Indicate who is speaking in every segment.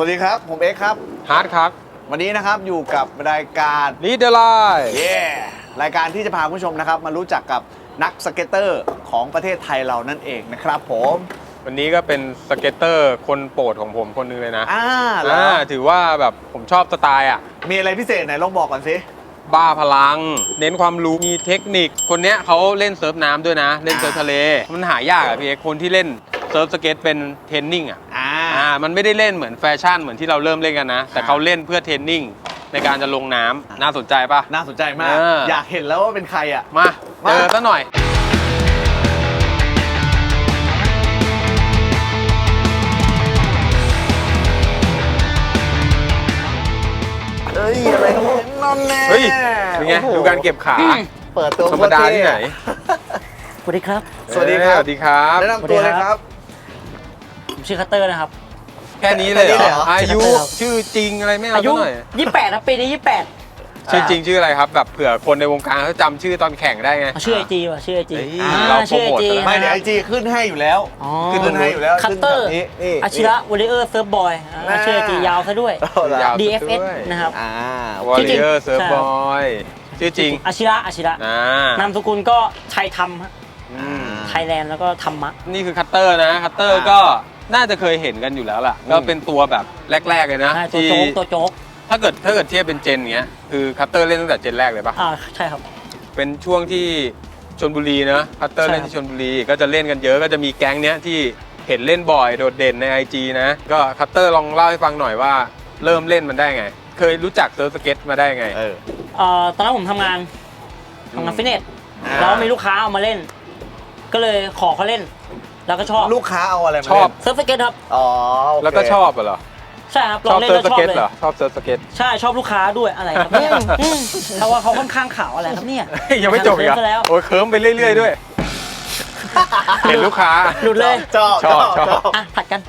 Speaker 1: วัสดีครับผมเอ็กซ์ครับ
Speaker 2: ฮาร์ดครับ
Speaker 1: วันนี้นะครับอยู่กับรายการ
Speaker 2: Lead the Line
Speaker 1: รายการที่จะพาคุณผู้ชมนะครับมารู้จักกับนักสเก็ตเตอร์ของประเทศไทยเรานั่นเองนะครับผม
Speaker 2: วันนี้ก็เป็นสเก็ตเตอร์คนโปรดของผมคนนึงเลยนะ
Speaker 1: แล้ว
Speaker 2: ถือว่าแบบผมชอบสไตล์อ่ะ
Speaker 1: มีอะไรพิเศษไหนลองบอกก่อนสิ
Speaker 2: บ้าพลังเน้นความรู้มีเทคนิคคนเนี้ยเขาเล่นเซิร์ฟน้ำด้วยนะเล่นเซิร์ฟทะเลมันหายากอ่ะพี่เอกคนที่เล่นเซิร์ฟสเก็ตเป็นเทรนนิ่งอ่ะมันไม่ได้เล่นเหมือนแฟชั่นเหมือนที่เราเริ่มเล่นกันนะแต่เขาเล่นเพื่อเทรนนิ่งในการจะลงน้ำน่าสนใจปะ
Speaker 1: น่าสนใจมากอยากเห็นแล้วว่าเป็นใครอ่ะ
Speaker 2: มาเจอซะหน่อย
Speaker 1: เฮ้ยอะไรกันนั่นแน่
Speaker 2: เฮ้ยเป็นไงดูการเก็บขา
Speaker 1: เปิดตัว
Speaker 2: ธรรมดาที่ไหน
Speaker 3: สวัสดีครับ
Speaker 1: สวัสดีครับ
Speaker 2: สวัสดีครับ
Speaker 1: แนะนำตัวเลยครับ
Speaker 3: ผมชื่อคัตเตอร์นะครับ
Speaker 2: แค่นี้เลยเหรออายุชื่อจริงอะไรไม่เอา
Speaker 3: อายุ
Speaker 2: หน่อย
Speaker 3: 28ครับปีนี้28
Speaker 2: ชื่อจริงชื่ออะไรครับแบบเผื่อคนในวงการเขาจำชื่อตอนแข่งได้ไง
Speaker 3: ชื่อไอจีว่ะชื่อไอจี
Speaker 2: เราโปรโมท
Speaker 1: ไม่เดี๋ยวไอจีขึ้นให้อยู่แล้วขึ้นให้อยู่แล้ว
Speaker 3: คัตเตอร์อาชิระวอลเลเยอร์เซิร์ฟบอยชื่อไอจียาวซะด้วย DFS นะครับ
Speaker 2: วอลเลเยอร์เซิร์ฟบอยชื่อจริง
Speaker 3: อาชิระนามสกุลก็ชัยธรรมไทยแลนด์แล้วก็ธรรมะ
Speaker 2: นี่คือคัตเตอร์นะคัตเตอร์ก็น่าจะเคยเห็นกันอยู่แล้วล่ะก็เป็นตัวแบบแรกๆเลยนะ
Speaker 3: ที่ตัวโจ๊ก
Speaker 2: ถ้าเกิดเทียบเป็นเจนเงี้ยคือคัตเตอร์เล่นตั้งแต่เจนแรกเลยปะ
Speaker 3: ใช่ครับ
Speaker 2: เป็นช่วงที่ชลบุรีนะคัตเตอร์เล่นที่ชลบุรีก็จะเล่นกันเยอะก็จะมีแก๊งเนี้ยที่เห็นเล่นบ่อยโดดเด่นใน IG นะก็คัตเตอร์ลองเล่าให้ฟังหน่อยว่าเริ่มเล่นมันได้ไงเคยรู้จักเซิร์ฟสเก็ตมาได้ไง
Speaker 3: ตอนนั้นผมทำงานฟิตเนสแล้วมีลูกค้าเอามาเล่นก็เลยขอเขาเล่นแล้วก็ชอบ
Speaker 1: ลูกค้าเอาอะไรมา
Speaker 2: ชอบ
Speaker 3: เซิร์ฟสเก็ตครับ
Speaker 2: แล้วก็ชอบเหรอ
Speaker 3: ใช่ครับลองเล่นแล้วชอบเลย
Speaker 2: ชอบเซิร์ฟสเก็ต
Speaker 3: ใช่ชอบลูกค้าด้วยอะไรครับเนี่ยเพราะว่าเขาค่อนข้างขาวอะไรครับเนี่ย
Speaker 2: ยังไม่จบอีกอ่ะโอ้ยเคิร์มไปเรื่อยๆด้วยเห็นลูกค้า
Speaker 3: หลุดเลย
Speaker 1: ชอบ
Speaker 3: ผัดกัน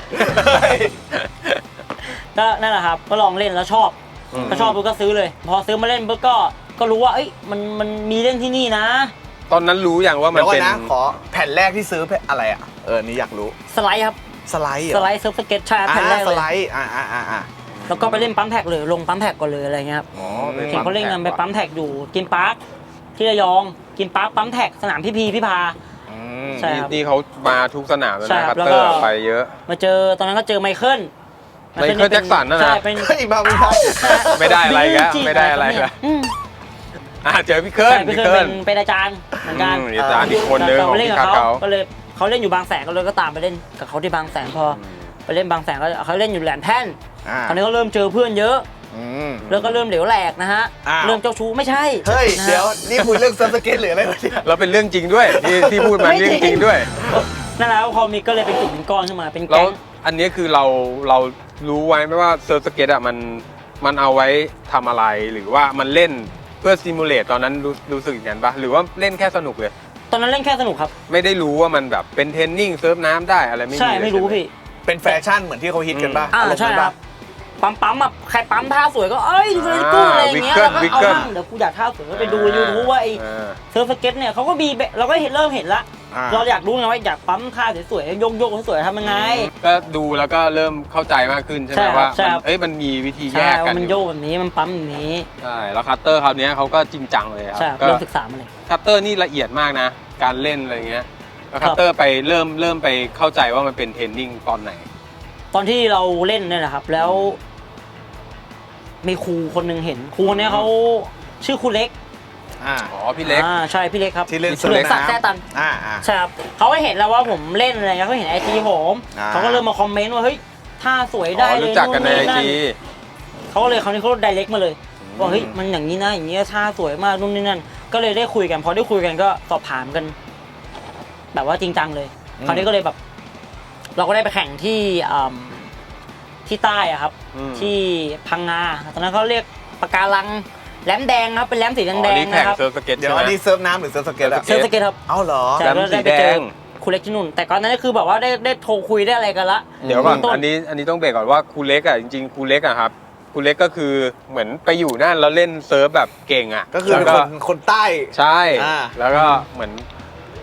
Speaker 3: ก็นั่นแหละครับก็ลองเล่นแล้วชอบก็ชอบปุ๊บก็ซื้อเลยพอซื้อมาเล่นปุ๊บก็รู้ว่าเอ้ยมันมีเล่นที่นี่นะ
Speaker 2: ตอนนั้นรู้อย่างว่ามันเป็น
Speaker 1: ขอแผ่นแรกที่ซื้ออะไรอ่ะนี่อยากรู้
Speaker 3: สไลด์ครับ
Speaker 1: สไลด์
Speaker 3: เซิร์ฟสเก็ตใช่แผ่นแรกเลย
Speaker 1: สไลด์
Speaker 3: แล้วก็ไปเล่นปั๊มแท็กเลยลงปั๊มแท็กก่อนเลยอะไรเงี้ยครับเห็นเขาเล่นกันไปปั๊มแท็กอยู่กินปาร์คที่ระยองกินปาร์คปั๊มแท็กสนามพี่พา
Speaker 2: ใช่ครับนี่เขามาทุกสนามแล้วนะครับเตอร์ไปเยอะ
Speaker 3: มาเจอตอนนั้นก็เจอไมเคิล
Speaker 2: แจ็คสันนะ
Speaker 3: ใช่เป็น
Speaker 2: ไม่ได้อะไรแล้วไม่ได้อะไรแล้วเจอพี่เคิล
Speaker 3: เป็นอาจารย์เหมือนกัน
Speaker 2: อาจารย์อีกคนนึงของพี่เขา
Speaker 3: ก็เลยเขาเล่นอยู่บางแสนก็เลยก็ตามไปเล่นกับเขาที่บางแสนพอไปเล่นบางแสนก็เขาเล่นอยู่แหลมแท่นคราวนี้เขาเริ่มเจอเพื่อนเยอะแล้วก็เริ่มเหลวแหลกนะฮะเริ่มเจ้าชู้ไม่ใช่
Speaker 1: เฮ้ยเดี๋ยวนี่คุยเรื่องซับสเก็ตหรืออะไร
Speaker 2: เราเป็นเรื่องจริงด้วยที่พูดมาเรื่องจริงด้วย
Speaker 3: นั่นแหละพอมีก็เลยเป็นกลุ่มก้อนขึ้นมาเป็นแก๊ง
Speaker 2: อันนี้คือเรารู้ไว้ไหมว่าเซิร์ฟสเก็ตอ่ะมันเอาไว้ทำอะไรหรือว่ามันเล่นเพื่อซิมูเลตตอนนั้นรู้สึกอย่างนั้นปะหรือว่าเล่นแค่สนุกเลย
Speaker 3: ตอนนั้นเล่นแค่สนุกครับ
Speaker 2: ไม่ได้รู้ว่ามันแบบเป็นเทรนนิ่งเซิร์ฟน้ำได้อะไรไม่มี
Speaker 3: ใช่ไม่รู้พี่
Speaker 1: เป็นแฟชั่นเหมือนที่เขาฮิตกันป่ะ
Speaker 3: ใช่ครับปั๊มแบบใครปั๊มท่าสวยก็เอ้ยดูเลยกู้อะไรอย่างเงี้ยแล้วก็เอาบ้างเดี๋ยวกูอยากท่าสวยก็ไปดูยูทูบว่าไอ้เซิร์ฟสเก็ตเนี่ยเขาก็มีเราก็เริ่มเห็นละเราอยากรู้ไงว่าอยากปั๊มท่าสวยๆโยกสวยๆทำยังไง
Speaker 2: ก็ดูแล้วก็เริ่มเข้าใจมากขึ้นใช่ไหมว่ามันมีวิธีแยกกัน
Speaker 3: มันโยกแบบนี้มันปั๊มแบบนี้
Speaker 2: ใช่แล้วคัตเตอร์คราวนี้เขาก็จริงจังเลยครับ
Speaker 3: ก็เริ่มศึกษามาเลย
Speaker 2: คัตเตอร์นี่ละเอียดมากนะการเล่นอะไรเงี้ยแล้วคัตเตอร์ไปเริ่มไปเข้าใจว่ามันเป็นเทรนนิ่งตอนไหน
Speaker 3: ตอนที่เราเล่นเนี่ยแหละครับแล้วมีครูคนหนึ่งเห็นครูคนนี้เขาชื่อครูเล็ก
Speaker 2: พี่เล็ก
Speaker 3: ใช่พี่เล็กครับ
Speaker 1: ที่เล่นเซิร์ฟ
Speaker 3: น้ำแท้ตันใช่ครับเขาเห็นแล้วว่าผมเล่นอะไรเงี้ยเขาเห็นไอจีผมเขาก็เริ่มมาคอมเมนต์ว่าเฮ้ยท่าสวยได้เลย
Speaker 2: รู้จักกันในไอจี
Speaker 3: เขาเลยคราวนี้เขาไดเรกมาเลยว่าเฮ้ยมันอย่างนี้นะอย่างนี้ท่าสวยมากนู่นนี่นั่นก็เลยได้คุยกันพอได้คุยกันก็สอบถามกันแบบว่าจริงจังเลยคราวนี้ก็เลยแบบเราก็ได้ไปแข่งที่ใต้อะครับที่พังงาตอนนั้นเขาเรียกปะการังแหลมแดงครับเป็นแหลมสีแดงๆนะครับ
Speaker 1: เดี๋ยวอันนี้เซิร์ฟน้ำหรือเซิร์ฟสเก็ตอะ
Speaker 3: เซิร์ฟสเก็ตครับ
Speaker 1: เอาเหรอ
Speaker 3: แหลมสีแดงครูเล็กที่นู่นแต่ก่อนนั้นก็คือแบบว่าได้โทรคุยได้อะไรกันละ
Speaker 2: เดี๋ยวก่อนอันนี้ต้องเบรกก่อนว่าครูเล็กอะจริงๆครูเล็กอะครับครูเล็กก็คือเหมือนไปอยู่นั่นแล้วเล่นเซิร์ฟแบบเก่งอะ
Speaker 1: ก็คือเป็นคนใต้
Speaker 2: ใช่แล้วก็เหมือน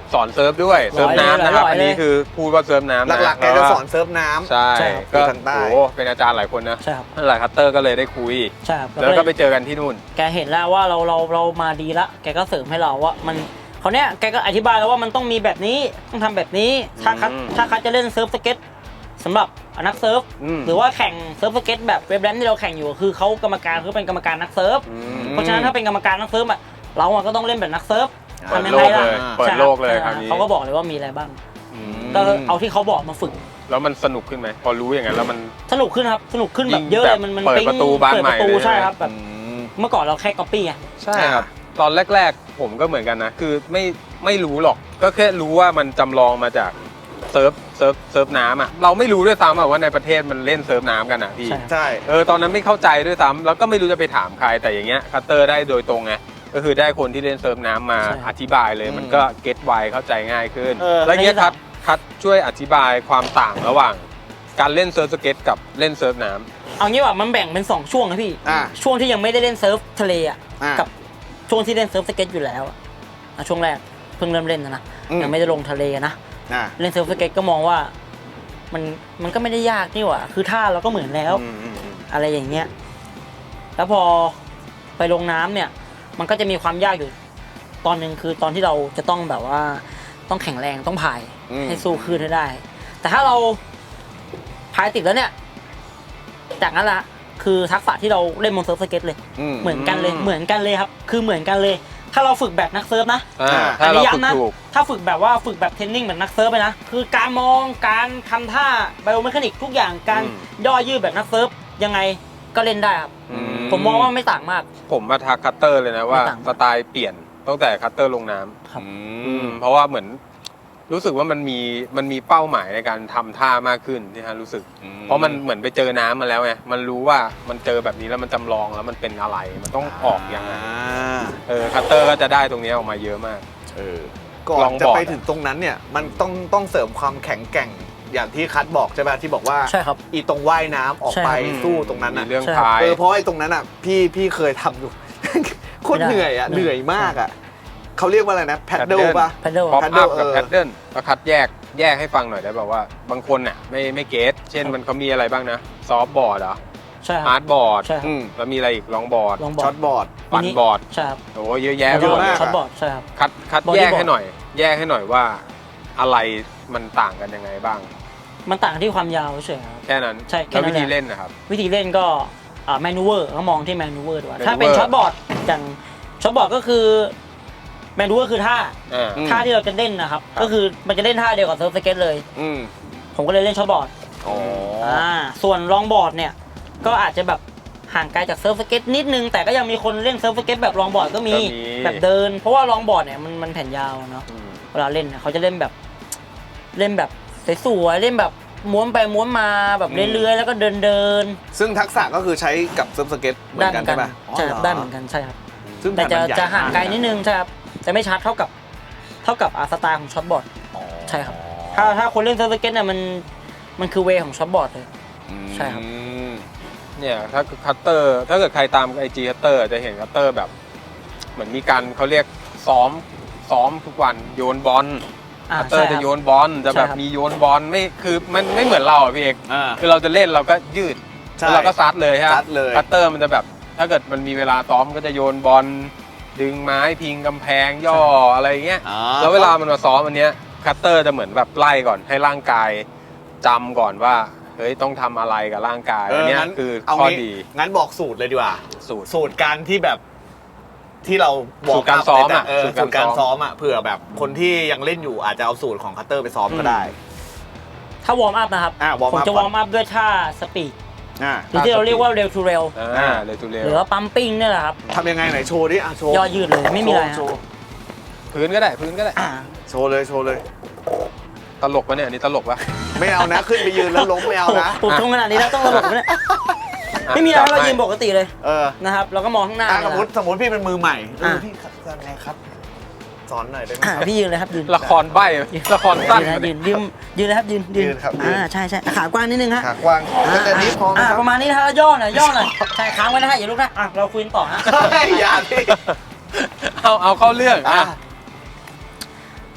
Speaker 2: สอนเซิร์ฟด้วยเซิร์ฟน้ำนะครับอันนี้คือพูดว่าเซิร์ฟน้ำนะ
Speaker 1: หลักๆแกจะสอนเซิร์ฟน้ำ
Speaker 2: ใช่
Speaker 3: ใช่ครับ
Speaker 2: ก็
Speaker 1: ทางใต้
Speaker 2: โอ้เป็นอาจารย์หลายคนนะ
Speaker 3: ใช่ครับ
Speaker 2: หลายคัตเตอร์ก็เลยได้คุย
Speaker 3: ใช่ครับ
Speaker 2: แล้วก็ไปเจอกันที่นู่น
Speaker 3: แกเห็นแล้วว่าเรามาดีละแกก็เสริมให้เราว่ามันเขาเนี้ยแกก็อธิบายแล้วว่ามันต้องมีแบบนี้ต้องทำแบบนี้ถ้าคัดจะเล่นเซิร์ฟสเก็ตสำหรับนักเซิร์ฟหรือว่าแข่งเซิร์ฟสเก็ตแบบเว็บแรมที่เราแข่งอยู่คือเขากรรมการเขาเป็นกรรมการนักเซิร์ฟเพราะฉะนั้นถ้าเป็นกรรมการนักเซิร์ฟอะเราก็ต้องเล่นแบบนักเซิร์ฟทำยังไงล่ะ
Speaker 2: เปิดโลกเลยคราวนี้
Speaker 3: เขาก็บอกเลยว่ามีอะไรบ้างก็เอาที่เขาบอกมาฝึก
Speaker 2: แล้วมันสนุกขึ้นไหมพอรู้อย่างนั้นแล้วมัน
Speaker 3: สนุกขึ้นครับสนุกขึ้นแบบเยอะเลยมัน
Speaker 2: เปิดประตูบานใหม่
Speaker 3: เปิดประตู
Speaker 2: เลย
Speaker 3: ใช่ครับแบบเมื่อก่อนเราแค่ก๊อปปี้ไง
Speaker 2: ใช่ครับตอนแรกๆผมก็เหมือนกันนะคือไม่รู้หรอกก็แค่รู้ว่ามันจำลองมาจากเซิร์ฟน้ำอ่ะเราไม่รู้ด้วยซ้ำว่าในประเทศมันเล่นเซิร์ฟน้ำกันอ่ะพี่
Speaker 1: ใช่
Speaker 2: ตอนนั้นไม่เข้าใจด้วยซ้ำแล้วก็ไม่รู้จะไปถามใครแต่อย่างเงี้ยคัตเตอร์ได้โดยตรงไงก็คือได้คนที่เล่นเซิร์ฟน้ำมาอธิบายเลยมันก็เก็ตไวเข้าใจง่ายขึ้นแล้วเงี้ยคัดช่วยอธิบายความต่างระหว่างการเล่นเซิร์ฟสเก็ตกับเล่นเซิร์ฟน้ำ
Speaker 3: เอางี้ว่ามันแบ่งเป็น2ช่วงนะพี่ช่วงที่ยังไม่ได้เล่นเซิร์ฟทะเลอ่ะกับช่วงที่เล่นเซิร์ฟสเก็ตอยู่แล้วช่วงแรกเพิ่งเริ่มเล่นนะยังไม่ได้ลงทะเลนะเล่นเซิร์ฟสเก็ตก็มองว่ามันก็ไม่ได้ยากนี่หว่าคือท่าเราก็เหมือนแล้วอะไรอย่างเงี้ยแล้วพอไปลงน้ำเนี่ยมันก็จะมีความยากอยู่ตอนหนึ่งคือตอนที่เราจะต้องแบบว่าต้องแข็งแรงต้องพายให้สู้คลื่นให้ได้แต่ถ้าเราพายติดแล้วเนี่ยจากนั้นละคือทักษะที่เราเล่นบนเซิร์ฟสเก็ตเลยเหมือนกันเลยครับคือเหมือนกันเลยถ้าเราฝึกแบบนักเซิร์ฟนะอันนี้ย้ำนะถ้าฝึกแบบว่าฝึกแบบเทรนนิ่งเหมือนนักเซิร์ฟไปนะคือการมองการทำท่าไบโอเมคานิกทุกอย่างการย่อยืดแบบนักเซิร์ฟยังไงก็เล่นได้ครับผมมองว่าไม่ต่างมาก
Speaker 2: ผมมาทักคัตเตอร์เลยนะว่าสไตล์เปลี่ยนตั้งแต่คัตเตอร์ลงน้ำเพราะว่าเหมือนรู้สึกว่ามันมีเป้าหมายในการทำท่ามากขึ้นที่ฮะรู้สึกเพราะมันเหมือนไปเจอน้ำมาแล้วไงมันรู้ว่ามันเจอแบบนี้แล้วมันจำลองแล้วมันเป็นอะไรมันต้องออกยังไงคัตเตอร์ก็จะได้ตรงนี้ออกมาเยอะมาก
Speaker 1: ก่อนจะไปถึงตรงนั้นเนี่ยมันต้องเสริมความแข็งแกร่งอย่างที่คัทบอกใช่ไหมที่บอกว่า
Speaker 3: ใช่ครับ
Speaker 1: อีตรงว่ายน้ำออกไปสู้ตรงนั้นนะ
Speaker 2: เรื่องพาย
Speaker 1: เพราะไอ้ตรงนั้นอ่ะพี่เคยทำอยู่โคตรเหนื่อยอ่ะเหนื่อยมากอ่ะเขาเรียกว่าอะไรนะแพดเดิลป่ะ
Speaker 3: แพดเดิล
Speaker 2: ป๊อปอัพกับแพดเดิลแล้วคัดแยกให้ฟังหน่อยได้ป่าวว่าบางคนน่ะไม่เก็ตเช่นมันเขามีอะไรบ้างนะซอฟต์บอร์ดเหรอ
Speaker 3: ใช่
Speaker 2: ฮาร์ดบอร์ด
Speaker 3: ใช่
Speaker 2: แล้วมีอะไรอีกลองบอร์ด
Speaker 1: ช็อตบอร์ด
Speaker 2: ปั่นบอร์ด
Speaker 3: ใช่ครับ
Speaker 2: โอ้เยอะแยะ
Speaker 3: มากช็อตบอร์ดใช่ครับ
Speaker 2: คัดแยกให้หน่อยว่าอะไรมันต่างกันยังไงบ้าง
Speaker 3: มันต่างที่ความยาวเฉย
Speaker 2: แค่นั้น
Speaker 3: ใช่
Speaker 2: แล้ววิธีเล่นนะครับ
Speaker 3: วิธีเล่นก็แมนูเวอร์ก็มองที่แมนูเวอร์ด้วยถ้าเป็นช็อตบอร์ดอย่างช็อตบอร์ดก็คือแมนูเวอร์คือท่าที่เราจะเล่นนะครับก็คือมันจะเล่นท่าเดียวกับเซิร์ฟสเก็ตเลยผมก็เลยเล่นช็อตบอร์ดส่วนลองบอร์ดเนี่ยก็อาจจะแบบห่างไกลจากเซิร์ฟสเก็ตนิดนึงแต่ก็ยังมีคนเล่นเซิร์ฟสเก็ตแบบลองบอร์ดก็มีแบบเดินเพราะว่าลองบอร์ดเนี่ยมันแผ่นยาวเนาะเวลาเล่นเขาจะเล่นแบบสวยๆเล่นแบบม้วนไปม้วนมาแบบเรื่อยๆแล้วก็เดิน
Speaker 1: ซึ่งทักษะก็คือใช้กับเซิร์ฟสเก็ตเหมือนกันใช่ไหม
Speaker 3: ใช่ได้เหมือนกันใช่ครับแต่จะห่างไกลนิดนึงใช่ครับจะไม่ชัดเท่ากับสไตล์ของช็อตบอร์ดใช่ครับถ้าคนเล่นเซิร์ฟสเก็ตเนี่ยมันคือเวของช็อตบอร์ดเลยใช่ครับ
Speaker 2: เนี่ยถ้าคัตเตอร์ถ้าเกิดใครตามIGคัตเตอร์จะเห็นคัตเตอร์แบบเหมือนมีการเขาเรียกซ้อมทุกวันโยนบอลคัตเตอร์จะโยนบอลจะแบบมีโยนบอลไม่คือมันไม่เหมือนเราพี่เอกคือเราจะเล่นเราก็ยืดแล้วเราก็ซัดเลยฮะคัตเตอร์มันจะแบบถ้าเกิดมันมีเวลาซ้อมก็จะโยนบอลดึงไม้พิงกำแพงย่ออะไรเงี้ยแล้วเวลามันมาซ้อมอันเนี้ยคัตเตอร์จะเหมือนแบบไล่ก่อนให้ร่างกายจำก่อนว่าเฮ้ยต้องทำอะไรกับร่างกายอันนี้คือข้อดี
Speaker 1: งั้นบอกสูตรเลยดีกว่าสูตรการที่แบบที่เรา
Speaker 2: บอกสูตรการซ้อมอ่ะ
Speaker 1: สูตรการซ้อมอ่ะเผื่อแบบคนที่ยังเล่นอยู่อาจจะเอาสูตรของคัตเตอร์ไปซ้อมก็ได้
Speaker 3: ถ้าวอร์มอัพนะครับผมจะวอร์มอัพด้วยท่าสปีดหรือที่เราเรียกว่าเร็วทูเร็วหรือว่าปั๊มปิ้งนี่แหละครับ
Speaker 1: ทำยังไงไหนโชว์ดิโชว์
Speaker 3: ย่อยืดเลยไม่มีอะไร
Speaker 2: พื้นก็ได้
Speaker 1: โชว์เลย
Speaker 2: ตลกปะเนี่ยอันนี้ตลกปะ
Speaker 1: ไม่เอานะขึ้นไปยืนแล้วล้มไม่เอานะ
Speaker 3: ปลุกตรงขนาดนี้แล้วต้องตลกเนี่ยไม่มีอะไรเรายืนปกติเลยนะครับเราก็มองข้างหน้า
Speaker 1: สมมติพี่เป็นมือใหม่พี่จะไงครับสอนหน่อยได้ไหม
Speaker 3: พี่ยืนเลยครับยืน
Speaker 2: ละครใบ้ละครสั้น
Speaker 3: ยืนเลยครับยืน
Speaker 1: ครับ
Speaker 3: ใช่ขากว้างนิดนึงฮะ
Speaker 1: ขากว้างแต่นี้พอ
Speaker 3: ประมาณนี้นะย่อหน่อยใช่ค้างไว้นะฮะอย่าลุกนะเราคุยต่อนะ
Speaker 1: อย่าพี่
Speaker 2: เอาเข้าเรื่อง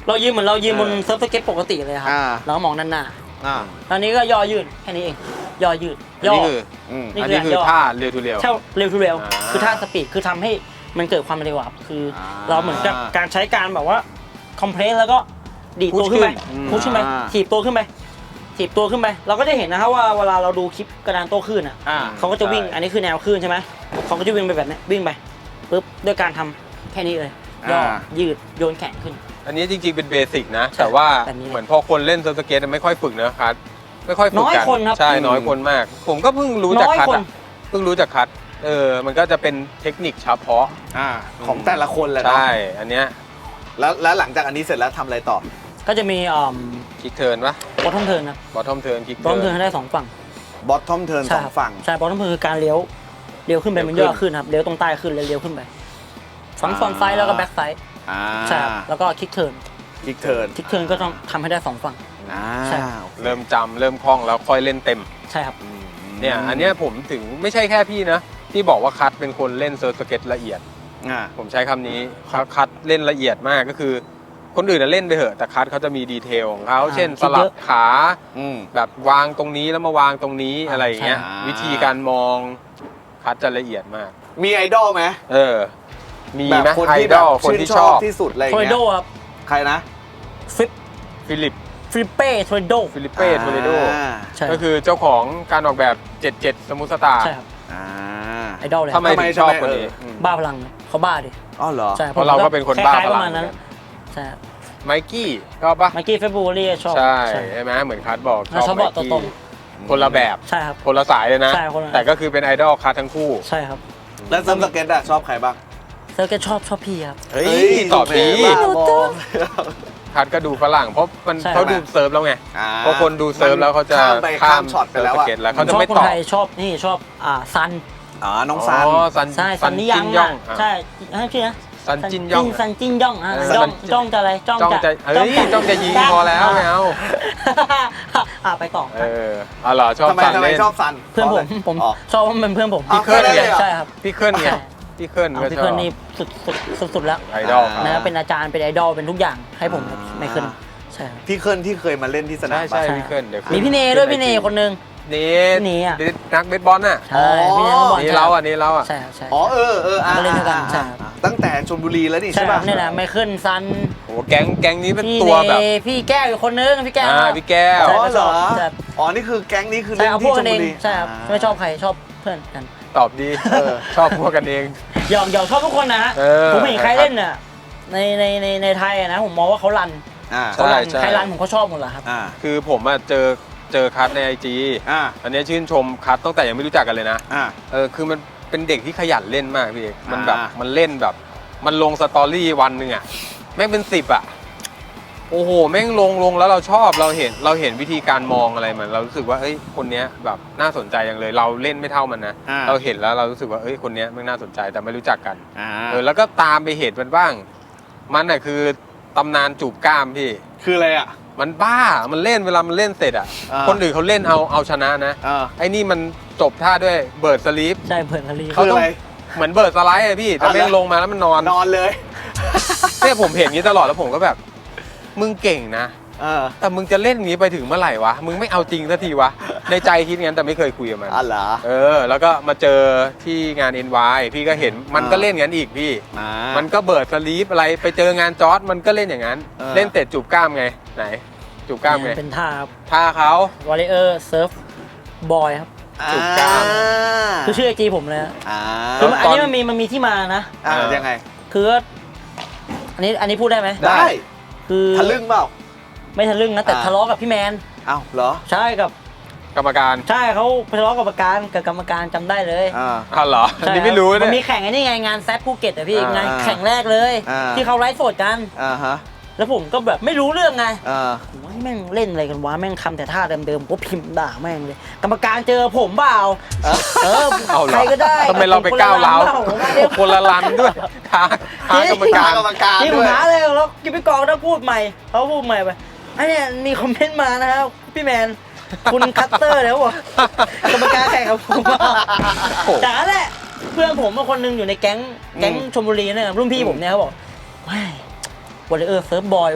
Speaker 3: เรายืนเหมือนเรายืนบนเซิร์ฟสเก็ตปกติเลยครับเรามองด้านหน้าตอนนี้ก็ย่อยืดแค่นี้เองย่อยืดย่อ
Speaker 2: อันนี้คือท่าเร็วทูเร็ว
Speaker 3: ใช่เร็วทูเร็วคือท่าสปีดคือทำให้มันเกิดความเร็วคือเราเหมือนกับการใช้การแบบว่าคอมเพรสแล้วก็ดีดตัวขึ้นไปพุชขึ้นไปถีบตัวขึ้นไปถีบตัวขึ้นไปเราก็จะเห็นนะครับว่าเวลาเราดูคลิปกระดานโต้คลื่นเขาก็จะวิ่งอันนี้คือแนวคลื่นใช่ไหมเขาก็จะวิ่งไปแบบนี้วิ่งไปปุ๊บด้วยการทำแค่นี้เลยย่อยืดโยนแขนขึ้นอันนี้
Speaker 2: จริงๆเป็นเบสิกนะแต่ว่าเหมือนพอคนเล่นเซิร์ฟสเก็ตไม่ค่อยฝึกนะครับไม่ค่อยฝึกกันน้อย
Speaker 3: คนครับ
Speaker 2: ใช่น้อยคนมากผมก็เพิ่งรู้จักคัทเพิ่งรู้จักคัทมันก็จะเป็นเทคนิคเฉพาะ
Speaker 1: ของแต่ละคนแหละ
Speaker 2: ใช่อันเนี้ย
Speaker 1: แล้วหลังจากอันนี้เสร็จแล้วทำอะไรต่อ
Speaker 3: ก็จะมี
Speaker 2: คิกเทิร์นปะ
Speaker 3: บอททอมเทิร์นครับ
Speaker 2: บอททอมเทิร์นคิก
Speaker 3: บอททอมเทิร์นได้2ฝั่ง
Speaker 1: บอททอมเทิร์น2ฝั่ง
Speaker 3: ใช่บอททอมเทิร์นคือการเลี้ยวขึ้นไปมันย่อขึ้นครับเลี้ยวตรงใต้ขึ้นแล้วเลี้ยวขึ้นไปฝั่งฟรอนต์ไซด์แล้วก็แบ็คไซด์ใช่แล้วก็คิกเทิร์นคิกเทิร์นก็ต้องทำให้ได้2ฝั่ง
Speaker 2: ใช่เริ่มจำเริ่มคล่องแล้วค่อยเล่นเต็ม
Speaker 3: ใช่ครับ
Speaker 2: เนี่ยอันนี้ผมถึงไม่ใช่แค่พี่นะที่บอกว่าคัทเป็นคนเล่นเซิร์ฟสเก็ตละเอียดผมใช้คำนี้คัทเล่นละเอียดมากก็คือคนอื่นเล่นไปเถอะแต่คัทเขาจะมีดีเทลของเขาเช่นสลับขาแบบวางตรงนี้แล้วมาวางตรงนี้อะไรอย่างเงี้ยวิธีการมองคัทจะละเอียดมาก
Speaker 1: มีไอดอลไหม
Speaker 2: มีไหมไอดอลคนที่ชอบ
Speaker 1: ที่สุดอะไรอย่างเงี้ย
Speaker 3: ครับ
Speaker 1: ใครนะ
Speaker 2: ฟิลิป
Speaker 3: เป้โทเรโด
Speaker 2: ก็คือเจ้าของการออกแบบ77สมุทรสตาร์
Speaker 3: ใช่ครับไอดอลเลย
Speaker 2: ทำไมถึงชอบคนนี้
Speaker 3: บ้าพลังเขาบ้าดิ
Speaker 1: อ๋อเหรอ
Speaker 2: ใช่เพราะเราก็เป็นคนบ้าพลัง
Speaker 3: ใช่
Speaker 2: ไมกี้ชอบปะ
Speaker 3: ไมกี้เฟบูรี่ชอบ
Speaker 2: ใช่ไหมเหมือนคัทบอก
Speaker 3: ชอบไมกี้
Speaker 2: คนละแบบ
Speaker 3: ใช่ครับ
Speaker 2: คนละสายเลยนะแต่ก็คือเป็นไอดอลคัททั้งคู่
Speaker 3: ใช่ครับ
Speaker 1: แล้วเซิร์ฟสเก็ตชอบใครบ้าง
Speaker 3: เซิร์ฟสเก็ตชอบพี่ครับ
Speaker 2: เฮ้ยตอบดีคัทก็ดูฝรั่งเพราะเขาดูเซิร์ฟแล้วไงเพราะคนดูเซิร์ฟแล้วเขาจะข้าม
Speaker 1: ช็อตไปแล้ว
Speaker 2: แล้วเขาจะไม่ตอบ
Speaker 3: ชอบนี่ชอบซัน
Speaker 1: น้องซัน
Speaker 3: ใช่ซันนี่ยังใช่ชื่อนะ
Speaker 2: ซันจินย่อง
Speaker 3: จ้องจะอะไรจ้อง
Speaker 2: จะยิงพอแล้วไม่เอา
Speaker 3: ไปต่อ
Speaker 2: เหรอชอบซัน
Speaker 1: เล่นชอบซัน
Speaker 3: เพื่อนผมชอบมันเพื่อนผม
Speaker 2: พี่เคิร์น
Speaker 3: ใช่ครับ
Speaker 2: พี่เคิร์นไงพี่เคิร์นก็ชอบ
Speaker 3: พี่เคิร์นนี่สุดแล้ว
Speaker 2: ไอดอล
Speaker 3: นะเป็นอาจารย์เป็นไอดอลเป็นทุกอย่างให้ผมไม่เคิร์นใช่
Speaker 1: พี่เคิร์นที่เคยมาเล่นที่สนาม
Speaker 2: ใช่พี่เคิร์น
Speaker 3: มีพี่เนด้วยพี่เนคนนึง
Speaker 2: นี่นักเบสบอลน่ะ
Speaker 3: ใช่พี่เนนักบอล
Speaker 2: นี่เราอ่ะ
Speaker 3: ใช่
Speaker 1: มา
Speaker 3: เล่นด้วยกันใช่
Speaker 1: ตั้งแต่ชลบุรีแล้วนี่ใช่ป่ะ
Speaker 3: นี่แหละไมเคิลซัน
Speaker 2: โอ้แก๊งนี้เป็นตัวแบบ
Speaker 3: พี่แก้วอยู่คนนึงพี่แก้ว
Speaker 2: พี่แก้ว
Speaker 1: เหรอนี่คือแก๊งนี้คือเล่นที่ชลบุรี
Speaker 3: ใช่ครับไม่ชอบใครชอบเพื่อนกัน
Speaker 2: ตอบดีชอบพวกกันเอง
Speaker 3: หยอกชอบทุกคนนะผมเห็นใครเล่นน่ะในไทยนะผมมองว่าเขารันใครรันผมก็ชอบหมดแหละครับ
Speaker 2: คือผมเจอคัทใน IG อันนี้ชื่นชมคัทตั้งแต่ยังไม่รู้จักกันเลยนะคือมันเป็นเด็กที่ขยันเล่นมากพี่เอกมันแบบมันเล่นแบบมันลงสตอรี่วันหนึ่งแม่งเป็น10โอ้โหแม่งลงแล้วเราชอบเราเห็นวิธีการมองอะไรมันเรารู้สึกว่าเอ้ยคนเนี้ยแบบน่าสนใจอย่างเลยเราเล่นไม่เท่ามันนะเราเห็นแล้วเรารู้สึกว่าเอ้ยคนเนี้ยมันน่าสนใจแต่ไม่รู้จักกันแล้วก็ตามไปเห็นมันบ้างมันคือตำนานจูบกล้ามพี่
Speaker 1: คืออะไร
Speaker 2: มันบ้ามันเล่นเวลามันเล่นเสร็จคนอื่นเขาเล่นเอาชนะนะไอ้นี่มันจบท่าด้วยเบิร์ดสลีป
Speaker 3: ใช่เบิร์ดสลีป
Speaker 1: เขาต้อง
Speaker 2: เหมือนเบิร์ดสไลด์พี่แต่แม่งลงมาแล้วมันนอน
Speaker 1: เลย
Speaker 2: เนี่ยผมเห็นนี้ตลอดแล้วผมก็แบบมึงเก่งนะแต่มึงจะเล่นนี้ไปถึงเมื่อไหร่วะมึงไม่เอาจริงสักทีวะในใจคิดงั้นแต่ไม่เคยคุยกับมัน
Speaker 1: เหรอ
Speaker 2: แล้วก็มาเจอที่งาน NY พี่ก็เห็นมันก็เล่นงั้นอีกพี่มันก็เบิร์ดสลีปอะไรไปเจองานจอร์จมันก็เล่นอย่างนั้นเล่นเตะจูบกล้ามไงไหนจูบกล้ามไง
Speaker 3: เป็นท่า
Speaker 2: เขา
Speaker 3: วอลเลเยอร์เซิร์ฟบอยครับ
Speaker 2: จูบกล้าม
Speaker 3: คือชื่อไอจีผมเลยคืออันนี้มันมีที่มานะ
Speaker 1: ยังไง
Speaker 3: คืออันนี้พูดได้ไหม
Speaker 1: ได้
Speaker 3: คือ
Speaker 1: ทะลึ่งเปล่า
Speaker 3: ไม่ทะลึ่งนะแต่ทะเลาะกับพี่แมน
Speaker 1: อ้าวเหรอ
Speaker 3: ใช่กับ
Speaker 2: กรรมการ
Speaker 3: ใช่เขาทะเลาะกับกรรมการจำได้เลย
Speaker 2: เหรออันนี้ไม่รู้
Speaker 3: เนี่ยมันมีแข่งไอ้นี่ไงงานแซดภูเก็ตพี่งานแข่งแรกเลยที่เขาไลฟ์สดกันแล้วผมก็แบบไม่รู้เรื่องไงว่าแม่งเล่นอะไรกันวะแม่งทำแต่ท่าเดิมๆก็พิมพ์ด่าแม่งเลยกรรมการเจอผมเปล่าใครก็ได้
Speaker 2: ทำไมเราไปก้าวร้าวคนละลันด้วยท้ากรรมการ
Speaker 3: ที่ผมท้าเลยแล้วกิพี่กองต้องพูดใหม่เขาพูดใหม่ไปไอ้เนี่ยมีคอมเมนต์มานะครับพี่แมนคุณคัตเตอร์แล้วบอกกรรมการแข่งกับผมแต่นั่นแหละเพื่อนผมคนนึงอยู่ในแก๊งชลบุรีเนี่ยรุ่นพี่ผมเนี่ยเขาบอกไม่วอลเลเยอร์เซิร์ฟบอยว่ะ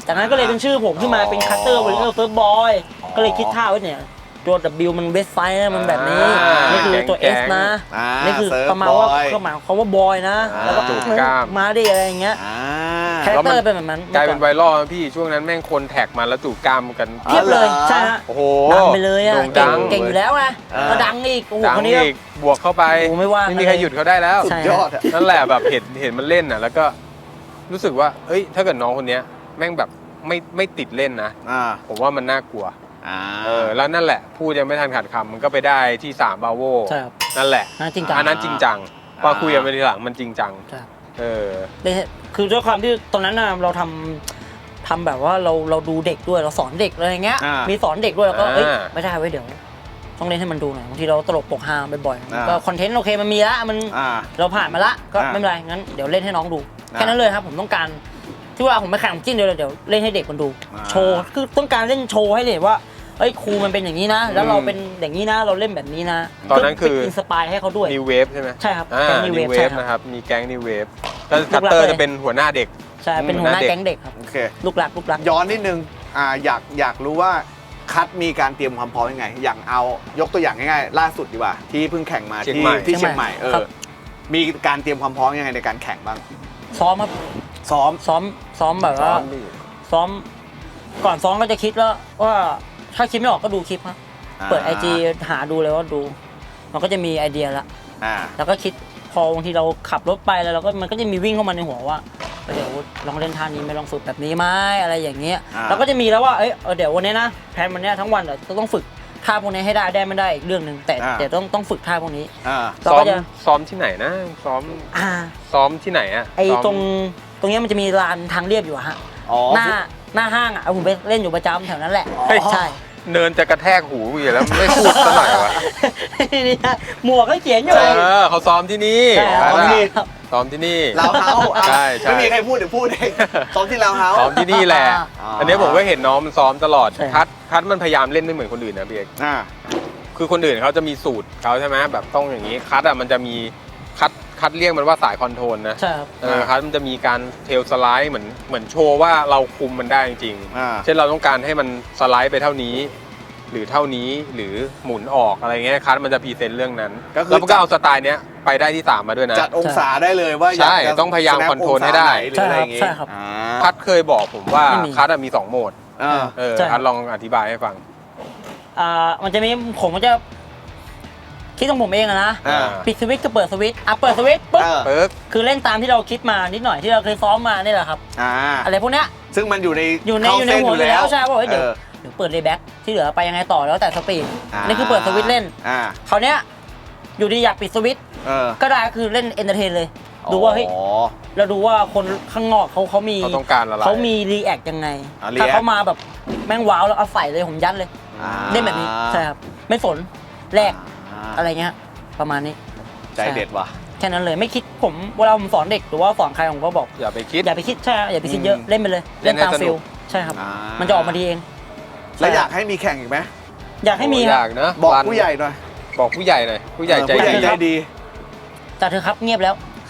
Speaker 3: จากนั้นก็เลยเป็นชื่อผมขึ้นมาเป็นคัตเตอร์วอลเลอร์เฟิร์สบอยก็เลยคิดท่าไว้เนี่ยตัว W มันเวสไซด์นะมันแบบนี้นี่คือตัว S นะนี่คือประมาณว่าเขาหมายเขาว่าบอยนะแล้วก็มาดิอะไรอย่างเงี้ยคาแรคเตอร์เป็นแบบนั้น
Speaker 2: กลายเป็นไวรัลพี่ช่วงนั้นแม่งคนแท็กมาแล้วจูบกล้ามกัน
Speaker 3: เทียบเลยใช่ฮะ
Speaker 2: โอ้โห
Speaker 3: ดังไปเลยอ่ะเก่งอยู่แล้วไงก็ดังอีกโอ้โหคนนี้
Speaker 2: บวกเข้าไปไม่มีใครหยุดเขาได้แล้ว
Speaker 1: สุดยอด
Speaker 2: นั่นแหละแบบเห็นมันเล่นอ่ะแล้วก็รู้สึกว่าเอ้ยถ้าเกิดน้องคนเนี้ยแม่งแบบไม่ติดเล่นนะผมว่ามันน่ากลัวแล้วนั่นแหละพูดยังไม่ทันขาดคำมันก็ไปได้ที่3บาโวนั่นแหละอันนั้นจริงจังพอคุยกันไปทีหลังมันจริงจัง
Speaker 3: คือด้วยความที่ตอนนั้นเราทำแบบว่าเราดูเด็กด้วยเราสอนเด็กอะไรเงี้ยมีสอนเด็กด้วยแล้วก็ไม่ได้ไว้เดี๋ยวต้องเล่นให้มันดูหน่อยบางทีเราตลกปกฮาบ่อยๆก็คอนเทนต์โอเคมันมีละมันเราผ่านมาละก็ไม่เป็นไรงั้นเดี๋ยวเล่นให้น้องดูแค่นั้นเลยครับผมต้องการที่ว่าผมไม่แข่งจิ้นเดียวเดี๋ยวเล่นให้เด็กมันดูโชว์คือต้องการเล่นโชว์ให้เด็กว่าเอ้ยครูมันเป็นอย่างนี้นะแล้วเราเป็นอย่างนี้นะเราเล่นแบบนี้นะ
Speaker 2: ตอนนั้นคือ
Speaker 3: อินสปายให้เขาด้วย
Speaker 2: นิวเวฟใช่ไหม
Speaker 3: ใช่ครับ
Speaker 2: แก๊งนิวเวฟนะครับมีแก๊งนิวเวฟแล้วคัตเตอร์จะเป็นหัวหน้าเด็ก
Speaker 3: ใช่เป็นหัวหน้าแก๊งเด็กครับ
Speaker 1: โอเค
Speaker 3: ลูกหลัก
Speaker 1: ย้อนนิดนึงอยากรู้ว่าคัดมีการเตรียมความพร้อมยังไงอย่างเอายกตัวอย่างง่ายๆล่าสุดดีกว่าที่เพิ่งแข่งมาที่เชียงใหม่มีการเตรียมความพร้อมยังไงในการแข่งบ้าง
Speaker 3: ซ้อมครับซ้อมแบบว่าซ้อมก่อนซ้อมก็จะคิดแล้วว่าถ้าคิดไม่ออกก็ดูคลิปครับเปิด IG หาดูเลยว่าดูมันก็จะมีไอเดียละแล้วก็คิดพอบางทีเราขับรถไปแล้วเราก็มันก็จะมีวิ่งเข้ามาในหัวว่าเดี๋ยวลองเล่นท่านี้ไม่ลองฝึกแบบนี้ไหมอะไรอย่างเงี้ยเราก็จะมีแล้วว่าเดี๋ยววันนี้นะแพลนวันนี้ทั้งวันเดี๋ยวต้องฝึกท่าพวกนี้ให้ได้ไม่ได้อีกเรื่องนึงแต่เดี๋ยวต้องฝึกท่าพวกนี้
Speaker 2: ซ้อมที่ไหนนะซ้อมที่ไหนอะ
Speaker 3: ไอตรงนี้มันจะมีลานทางเรียบอยู่ฮะหน้าห้างอ่ะผมไปเล่นอยู่ประจำแถวนั้นแหละใช่
Speaker 2: เนินจะกระแทกหูอยู่แล้วไม่พูดซะหน่อยวะ
Speaker 3: นี่หมวกก็เขียนอยู่
Speaker 2: เขาซ้อมที่นี่ซ้อมที่นี่
Speaker 1: เราเฮา
Speaker 2: ใช่
Speaker 1: ไม่มีใครพูดเดี๋ยวพูดเองซ้อมที่เราเฮา
Speaker 2: ซ้อมที่นี่แหละอันนี้ผมก็เห็นน้องมันซ้อมตลอดคัดมันพยายามเล่นไม่เหมือนคนอื่นนะพี่เอกคือคนอื่นเขาจะมีสูตรเขาใช่ไหมแบบต้องอย่างนี้คัดมันจะมีคัดเรียกมันว่าสายคอนโทรลนะ
Speaker 3: ใช่ครับ
Speaker 2: คัดมันจะมีการเทลสไลด์เหมือนโชว์ว่าเราคุมมันได้จริงๆเช่นเราต้องการให้มันสไลด์ไปเท่านี้หรือเท่านี้หรือหมุนออกอะไรเงี้ยคัดมันจะพรีเซนต์เรื่องนั้นแล้วก็เอาสไตล์เนี้ยไปได้ที่3มาด้วยนะ
Speaker 1: จัดองศาได้เลยว่า
Speaker 2: ใช่ต้องพยายามคอนโทรลให้ได้
Speaker 3: ใช่ครับ
Speaker 2: คัดเคยบอกผมว่าคัดมี2โหมดคัดลองอธิบายให้ฟัง
Speaker 3: มันจะมีผมก็จะคิดของผมเองนะปิดสวิตช์ก็เปิดสวิตช์เปิดสวิตช์ปุ๊บคือเล่นตามที่เราคิดมานิดหน่อยที่เราเคยซ้อมมานี่แหละครับอะไรพวกเนี้ย
Speaker 1: ซึ่งมันอยู่ใน
Speaker 3: หัวอยู่แล้วใช่ป่ะเดี๋ยวเปิดเลย์แบ็กที่เหลือไปยังไงต่อแล้วแต่สปีดนี่คือเปิดสวิตช์เล่นคราวเนี้ยอยู่ดีอยากปิดสวิตช์ก็ได้คือเล่นเอนเตอร์เทนเลยดูว่าเฮ้ยเราดูว่าคนข้างนอกเขามีเขามีรีแอคยังไงถ้าเขามาแบบแม่งว้าวแล้วเอาใส่เลยผมยัดเลยเล่นแบบนี้ใช่ครับไม่สนแรกอะไรเงี้ยประมาณนี้
Speaker 1: ใจเด็ดว่ะ
Speaker 3: แค่นั้นเลยไม่คิดผมเวลาผมสอนเด็กหรือว่าสอนใครผมก็บอก
Speaker 2: อย่าไปคิด
Speaker 3: ใช่อย่าไปคิดเยอะเล่นไปเลยเล่นตามฟิลใช่ครับมันจะออกมาดีเอง
Speaker 1: แล้วอยากให้มีแข่งอีกไหม
Speaker 3: อยากให้มี
Speaker 2: อยากนะ
Speaker 1: บอกผู้ใหญ่หน่อย
Speaker 2: บอกผู้ใหญ่หน่อยผู้ใหญ่ใจ
Speaker 1: ดี
Speaker 3: จัดเถอะครับเงียบแล้ว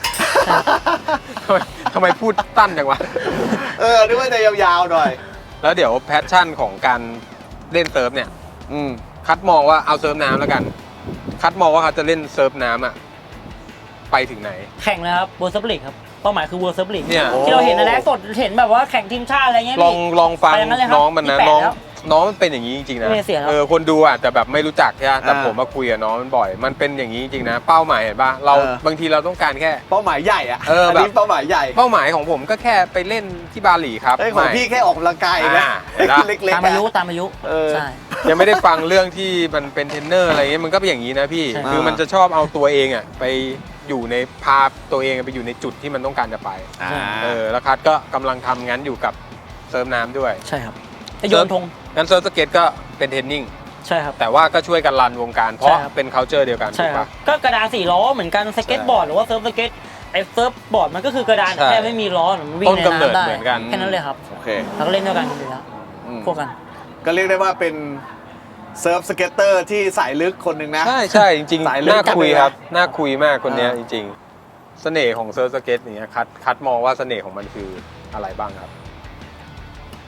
Speaker 2: ทำไมพูดตั้นจังวะ
Speaker 1: นึกว่าจะยาวๆหน่อย
Speaker 2: แล้วเดี๋ยวแพชชั่นของการเล่นเซิร์ฟเนี่ยคัดมองว่าเอาเซิร์ฟน้ำแล้วกันคัดมองว่าเขาจะเล่นเซิร์ฟน้ำไปถึงไหน
Speaker 3: แข่งเลยครับเวิร์ลด์เซิร์ฟลีกครับเป้าหมายคือเวิร์ลด์เซิร์ฟลีกที่เราเห็นในไลฟ์สดเห็นแบบว่าแข่งทีมชาติอะไรเงี้ย
Speaker 2: ลองฟังน้องมันนะน้องมันเป็นอย่างนี้จริงๆนะคนดูอาจจะแบบไม่รู้จักใช่ไหมแต่ผมมาคุยกับน้องมันบ่อยมันเป็นอย่างนี้จริงๆนะเป้าหมายเห็นป่ะเราบางทีเราต้องการแค่
Speaker 1: เป้าหมายใหญ่อะแบบเป้าหมายใหญ่
Speaker 2: เป้าหมายของผมก็แค่ไปเล่นที่บาหลีครับ
Speaker 1: ของพี่แค่ออกกำลังกายนะเล็กๆ
Speaker 3: ตามอายุใช่
Speaker 2: ยังไม่ได้ฟังเรื่องที่มันเป็นเทรนเนอร์อะไรเงี้ยมันก็เป็นอย่างนี้นะพี่คือมันจะชอบเอาตัวเองอะไปอยู่ในพาตัวเองไปอยู่ในจุดที่มันต้องการจะไปแล้วคัดก็กำลังทำงั้นอยู่กับเซิร์ฟน้ำด้วย
Speaker 3: ใช่ครับโยนธง
Speaker 2: งั้นเซิร์ฟสเก็ตก็เป็นเทรนนิ่ง
Speaker 3: ใช่ครับ
Speaker 2: แต่ว่าก็ช่วยกันรันวงการเพราะเป็น culture เดียวกัน
Speaker 3: ใช่ครับก็กระดาน4ล้อเหมือนกันสเก็ตบอร์ดหรือว่าเซิร์ฟสเก็ตไอ้เซิร์ฟบอร์ดมันก็คือกระดานแค่ไม่มีล้อมันวิ่งในน้ำได้แค่นั้นเลยครับ
Speaker 1: โอเค
Speaker 3: เราก็เล่นด้วยกันอยู่แล้วพวกกัน
Speaker 1: ก็เรียกได้ว่าเป็นเซิร์ฟสเก็ตเตอร์ที่สายลึกคนหนึ่งนะ
Speaker 2: ใช่จริงๆน่าคุยครับน่าคุยมากคนนี้จริงๆเสน่ห์ของเซิร์ฟสเก็ตอย่างเงี้ยคัดมองว่าเสน่ห์ของมันคืออะไรบ้างครับ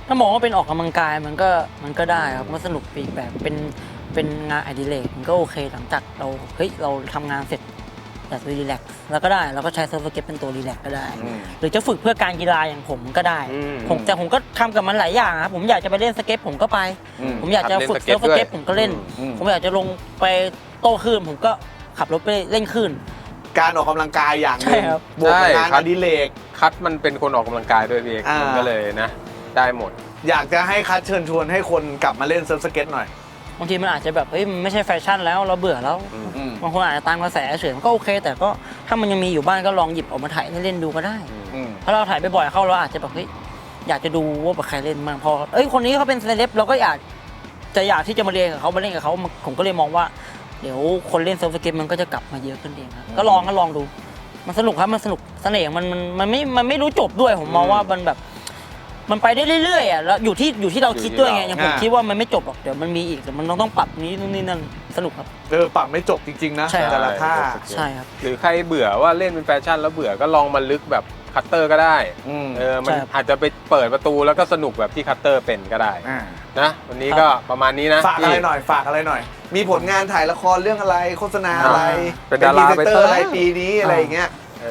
Speaker 3: ถ้ามองว่าเป็นออกกำลังกายมันก็ได้ครับมันสนุกปีกแบบเป็นงานอดิเรกมันก็โอเคหลังจากเราทำงานเสร็จอยากจะรีแลกซ์แล้วก็ได้เราก็ใช้เซิร์ฟสเก็ตเป็นตัวรีแลกซ์ก็ได้ หรือจะฝึกเพื่อการกีฬาอย่างผมก็ได้แต่ผมก็ทำกับมันหลายอย่างครับผมอยากจะไปเล่นสเก็ตผมก็ไปผมอยากจะฝึกเซิร์ฟสเก็ตผมก็เล่นผมอยากจะลงไปโต้คลื่นผมก็ขับรถไปเล่นคลื่น
Speaker 1: การออกกำลังกายอย่างหนึ่งบวกกับงานอดิเรก
Speaker 2: คัทมันเป็นคนออกกำลังกายด้วยพี่เอกมันก็เลยนะได้หมด
Speaker 1: อยากจะให้คัทเชิญชวนให้คนกลับมาเล่นเซิร์ฟสเก็ตหน่อย
Speaker 3: บางทีมันอาจจะแบบมันไม่ใช่แฟชั่นแล้วเราเบื่อแล้วบางคนอาจจะตามกระแสเฉยมันก็โอเคแต่ก็ถ้ามันยังมีอยู่บ้านก็ลองหยิบออกมาถ่ายเล่นดูก็ได้เพราะเราถ่ายบ่อยๆเข้าเราอาจจะแบบอยากจะดูว่าแบบใครเล่นบ้างพอคนนี้เขาเป็นเซเลบเราก็อยากที่จะมาเรียนกับเขามาเล่นกับเขาผมก็เลยมองว่าเดี๋ยวคนเล่นเซิร์ฟสเก็ตมันก็จะกลับมาเยอะขึ้นเองครับก็ลองดูมันสนุกครับมันสนุกเสน่ห์มันไม่รู้จบด้วยผมมองว่ามันแบบมันไปได้เรื่อยๆอ่ะแล้วอยู่ที่เราคิดด้วยไงอย่างผมคิดว่ามันไม่จบหรอกเดี๋ยวมันมีอีกแต่มันต้องปรับนี้นู่นนี่นั่นสนุกครับ
Speaker 1: ปรับไม่จบจริงๆนะแต่ละท่า
Speaker 3: ใช่ครับ
Speaker 2: หรือใครเบื่อว่าเล่นเป็นแฟชั่นแล้วเบื่อก็ลองมาลึกแบบคัตเตอร์ก็ได้มันอาจจะไปเปิดประตูแล้วก็สนุกแบบที่คัตเตอร์เป็นก็ได้นะวันนี้ก็ประมาณนี้นะ
Speaker 1: ฝากอะไรหน่อยมีผลงานถ่ายละครเรื่องอะไรโฆษณาอะไร
Speaker 2: เป็นดาราไปเตอร์
Speaker 1: อะไรปีนี้อะไรอย่างเงี้ย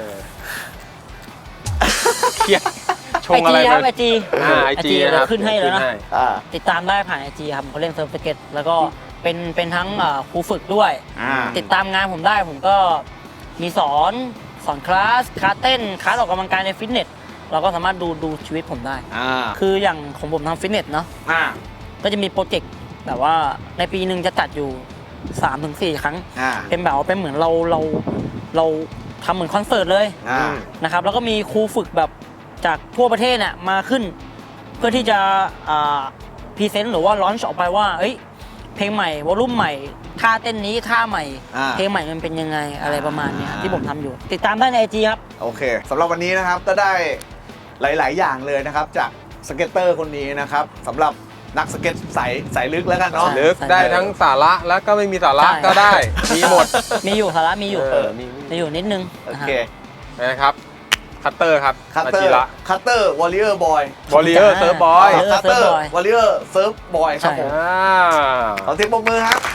Speaker 2: เครียดชงอะไร
Speaker 3: ครับไอจีเราขึ้นให้แล้วนะติดตามได้ผ่านไอจีครับเขาเล่นเซิร์ฟสเก็ตแล้วก็เป็นทั้งครูฝึกด้วยติดตามงานผมได้ผมก็มีสอนคลาสเต้นคลาสออกกำลังกายในฟิตเนสเราก็สามารถดูชีวิตผมได้คืออย่างของผมทำฟิตเนสเนาะก็จะมีโปรเจกต์แบบว่าในปีหนึ่งจะจัดอยู่ 3-4 ครั้งเป็นแบบว่าเป็นเหมือนเราทำเหมือนคอนเสิร์ตเลยนะครับแล้วก็มีครูฝึกแบบจากทั่วประเทศเนี่ยมาขึ้นเพื่อที่จะพรีเซนต์หรือว่าลอนช์ออกไปว่าเพลงใหม่วอลลุ่มใหม่ท่าเต้นนี้ท่าใหม่เพลงใหม่มันเป็นยังไงอะไรประมาณนี้ที่ผมทำอยู่ติดตามได้ใน IG ครับ
Speaker 1: โอเคสำหรับวันนี้นะครับก็ได้หลายๆอย่างเลยนะครับจากสเก็ตเตอร์คนนี้นะครับสำหรับนักสเก็ตสายลึกแล้วกันเนาะ
Speaker 2: ลึกได้ทั้งสาระแล้วก็ไม่มีสาระก็ได้มีหมด
Speaker 3: มีอยู่สาระมีอยู่นิดนึง
Speaker 1: โอเค
Speaker 2: นะครับคัตเตอร์ครับ
Speaker 1: คัตเตอร์วอลเลย์บอย
Speaker 2: เซิร์ฟบอย
Speaker 1: คัตเตอร์วอลเลย์เซิร์ฟบอยครับผมขอเสียงปรบมือครับ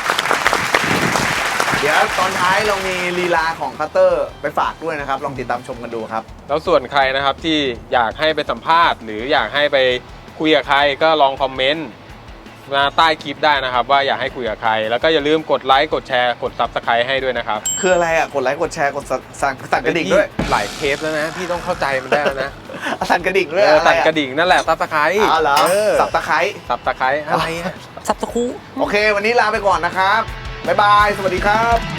Speaker 1: เดี๋ยวตอนท้ายเรามีลีลาของคัตเตอร์ไปฝากด้วยนะครับลองติดตามชมกันดูครับ
Speaker 2: แล้วส่วนใครนะครับที่อยากให้ไปสัมภาษณ์หรืออยากให้ไปคุยกับใครก็ลองคอมเมนต์มาใต้คลิปได้นะครับว่าอยากให้คุยกับใครแล้วก็อย่าลืมกดไลค์กดแชร์กด Subscribe ให้ด้วยนะครับ
Speaker 1: คืออะไรอ่ะกดไลค์กดแชร์กดสั่นกระดิ่งด้วย
Speaker 2: หลายเคสแล้วนะพี่ต้องเข้าใจมันได้แล้วนะ
Speaker 1: สั่นกระดิ่งด้วย
Speaker 2: สั่นกระดิ่งนั่นแหละSubscribe
Speaker 1: เหรอSubscribe
Speaker 2: อะไร
Speaker 3: ซับสคู
Speaker 1: โอเควันนี้ลาไปก่อนนะครับบ๊ายบายสวัสดีครับ